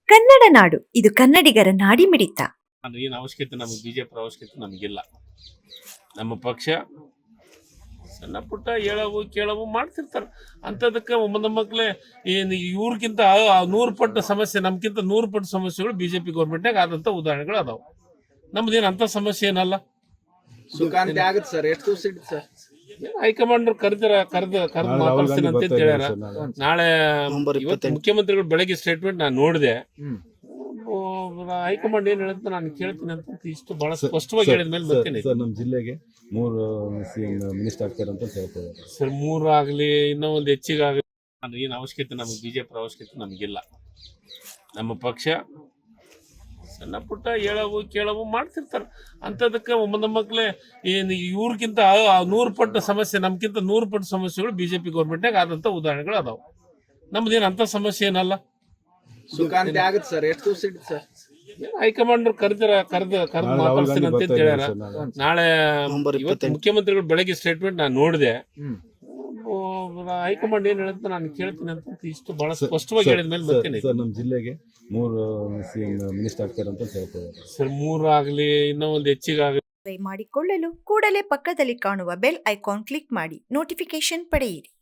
ಕನ್ನಡ ನಾಡು ಇದು ಕನ್ನಡಿಗರ ನಾಡಿಮಿಡಿತ. ಏನು ಅವಶ್ಯಕತೆ ನಮಗೆ ಬಿಜೆಪಿ ಅವಶ್ಯಕತೆ ನಮಗಿಲ್ಲ. ನಮ್ಮ ಪಕ್ಷ ಸಣ್ಣ ಪುಟ್ಟ ಹೇಳವು ಕೇಳವು ಮಾಡ್ತಿರ್ತಾರೆ. ಅಂಥದಕ್ಕೆ ನಮ್ಮ ಮಕ್ಕಳೇ ಏನು ಇವ್ರಿಗಿಂತ 100 ಪಟ್ಟು ಸಮಸ್ಯೆ, ನಮ್ಗಿಂತ 100 ಪಟ್ಟು ಸಮಸ್ಯೆಗಳು ಬಿಜೆಪಿ ಗೌರ್ಮೆಂಟ್ನಾಗ ಆದಂಥ ಉದಾಹರಣೆಗಳು ಅದಾವೆ. ನಮ್ದೇನು ಅಂಥ ಸಮಸ್ಯೆ ಏನಲ್ಲ. ಸುಖಾಂತಿ ಆಗುತ್ತೆ ಸರ್. ಎಷ್ಟು ದಿವಸ ಇಟ್ಟು ಸರ್? ಹೈಕಮಾಂಡ್ ಕರೆದು ಮಾತಾಡ್ತೀನಿ ಅಂತ ಹೇಳ್ಯಾರ. ನಾಳೆ ಇವತ್ತು ಮುಖ್ಯಮಂತ್ರಿಗಳು ಬೆಳಗ್ಗೆ ಸ್ಟೇಟ್ಮೆಂಟ್ ನಾನು ನೋಡಿದೆ. ಹೈಕಮಾಂಡ್ ಏನ್ ಹೇಳುತ್ತೆ ನಾನು ಕೇಳ್ತೀನಿ ಅಂತ ಇಷ್ಟು ಬಹಳ ಸ್ಪಷ್ಟವಾಗಿ ಹೇಳಿದ ಮೇಲೆ ಬರ್ತೇನೆ. ನಮ್ಮ ಜಿಲ್ಲೆಗೆ 3 CM ಮಿನಿಸ್ಟರ್ ಆಗ್ತಾರೆ ಅಂತ ಹೇಳ್ತಾರೆ ಸರ್. 3 ಆಗಲಿ ಇನ್ನೂ ಒಂದು ಹೆಚ್ಚಿಗೆ ಆಗಲಿ ಏನು ಅವಶ್ಯಕತೆ ನಮಗೆ ಬಿಜೆಪಿ ಅವಶ್ಯಕತೆ ನಮಗಿಲ್ಲ. ನಮ್ಮ ಪಕ್ಷ ಸಣ್ಣ ಪುಟ್ಟ ಹೇಳವು ಕೇಳವು ಮಾಡ್ತಿರ್ತಾರೆ. ಅಂಥದಕ್ಕೆ ನಮ್ಮ ಮಕ್ಕಳೇ ಏನು ಇವ್ರಿಗಿಂತ 100 ಪಟ್ಟು ಸಮಸ್ಯೆ, ನಮ್ಗಿಂತ 100 ಪಟ್ಟು ಸಮಸ್ಯೆಗಳು ಬಿಜೆಪಿ ಗೌರ್ಮೆಂಟ್ನಾಗ ಆದಂಥ ಉದಾಹರಣೆಗಳು ಅದಾವೆ. ನಮ್ದೇನು ಅಂಥ ಸಮಸ್ಯೆ ಏನಲ್ಲ. ಸುಖಾಂತಿ ಆಗುತ್ತೆ ಸರ್. ಎಷ್ಟು ದಿವಸ ಇಟ್ಟು ಸರ್? ಹೈಕಮಾಂಡ್ ಕರೆದು ಮಾತಾಡ್ತೀನಿ ಅಂತ ಹೇಳ್ಯಾರ. ನಾಳೆ ಇವತ್ತು ಮುಖ್ಯಮಂತ್ರಿಗಳು ಬೆಳಗ್ಗೆ ಸ್ಟೇಟ್ಮೆಂಟ್ ನಾನು ನೋಡಿದೆ. ಹೈಕಮಾಂಡ್ ಏನ್ ಹೇಳುತ್ತೆ ನಾನು ಕೇಳ್ತೀನಿ ಅಂತ ಇಷ್ಟು ಬಹಳ ಸ್ಪಷ್ಟವಾಗಿ ಹೇಳಿದ ಮೇಲೆ ಬರ್ತೇನೆ. ನಮ್ಮ ಜಿಲ್ಲೆಗೆ 3 CM ಮಿನಿಸ್ಟರ್ ಆಗ್ತಾರೆ ಅಂತ ಹೇಳ್ತಾರೆ ಸರ್. 3 ಆಗಲಿ ಇನ್ನೂ ಒಂದು ಹೆಚ್ಚಿಗೆ ಆಗಲಿ ಮಾಡಿಕೊಳ್ಳಲು ಕೂಡಲೇ ಪಕ್ಕದಲ್ಲಿ ಕಾಣುವ ಬೆಲ್ ಐಕಾನ್ ಕ್ಲಿಕ್ ಮಾಡಿ ನೋಟಿಫಿಕೇಶನ್ ಪಡೆಯಿರಿ.